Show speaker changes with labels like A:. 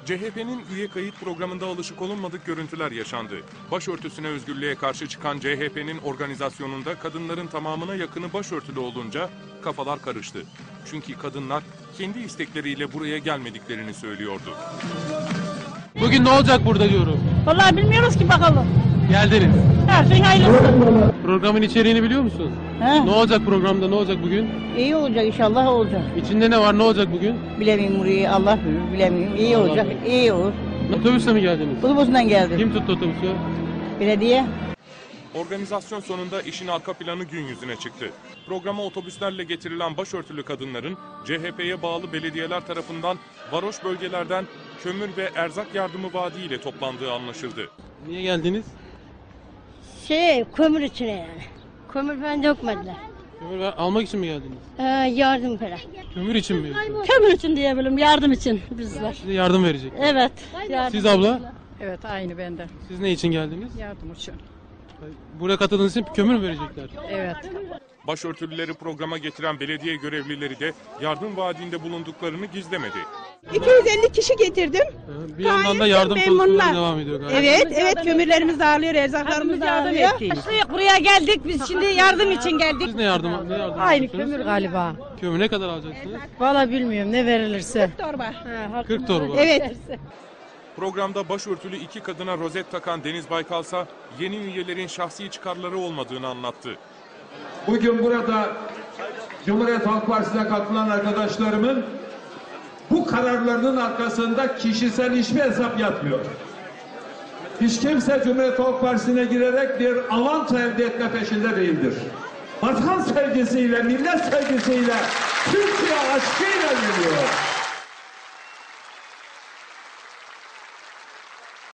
A: CHP'nin üye kayıt programında alışık olunmadık görüntüler yaşandı. Başörtüsüne özgürlüğe karşı çıkan CHP'nin organizasyonunda kadınların tamamına yakını başörtülü olunca kafalar karıştı. Çünkü kadınlar kendi istekleriyle buraya gelmediklerini söylüyordu.
B: Bugün ne olacak burada diyorum.
C: Vallahi bilmiyoruz ki bakalım.
B: Geldiniz.
C: Her şey hayırlısı.
B: Programın içeriğini biliyor musun?
C: He?
B: Ne olacak programda, ne olacak bugün?
C: İyi olacak inşallah olacak.
B: İçinde ne var, ne olacak bugün?
C: Bilemiyorum burayı Allah bilir bilemiyorum. İyi
B: Allah
C: olacak
B: bilir.
C: iyi olur.
B: Otobüsle mi geldiniz?
C: Otobüsünden geldim.
B: Kim tuttu otobüsü?
C: Belediye.
A: Organizasyon sonunda işin arka planı gün yüzüne çıktı. Programa otobüslerle getirilen başörtülü kadınların CHP'ye bağlı belediyeler tarafından varoş bölgelerden kömür ve erzak yardımı vaadiyle toplandığı anlaşıldı.
B: Niye geldiniz?
D: Kömür içine yani. Kömür falan dökmediler.
B: Kömür almak için mi geldiniz?
D: Yardım falan.
B: Kömür için mi yoksa?
E: Kömür için diyebilirim, yardım için bizler.
B: Size yardım verecek.
E: Evet. Yardım.
B: Siz abla?
F: Evet aynı bende.
B: Siz ne için geldiniz?
F: Yardım için.
B: Buraya katıldığınız için kömür mü verecekler?
F: Evet.
A: Başörtülüleri programa getiren belediye görevlileri de yardım vaadinde bulunduklarını gizlemedi.
G: 250 kişi getirdim.
B: Bir yandan da yardım
G: memnunlar.
B: politikaları devam ediyor galiba.
G: Evet, kömürlerimiz dağılıyor, erzaklarımız dağılıyor.
E: Buraya geldik, biz şimdi yardım için geldik.
B: Siz ne yardım
F: Aynı
B: ediyorsunuz?
F: kömür galiba.
B: Kömür ne kadar alacaksınız?
F: Valla bilmiyorum ne verilirse.
G: Torba.
B: 40 torba.
G: Evet.
A: Programda başörtülü iki kadına rozet takan Deniz Baykalsa yeni üyelerin şahsi çıkarları olmadığını anlattı.
H: Bugün burada Cumhuriyet Halk Partisi'ne katılan arkadaşlarımın bu kararlarının arkasında kişisel hiçbir hesap yatmıyor. Hiç kimse Cumhuriyet Halk Partisi'ne girerek bir avantaj elde etme peşinde değildir. Vatan sevgisiyle, millet sevgisiyle, Türkiye aşkıyla geliyor.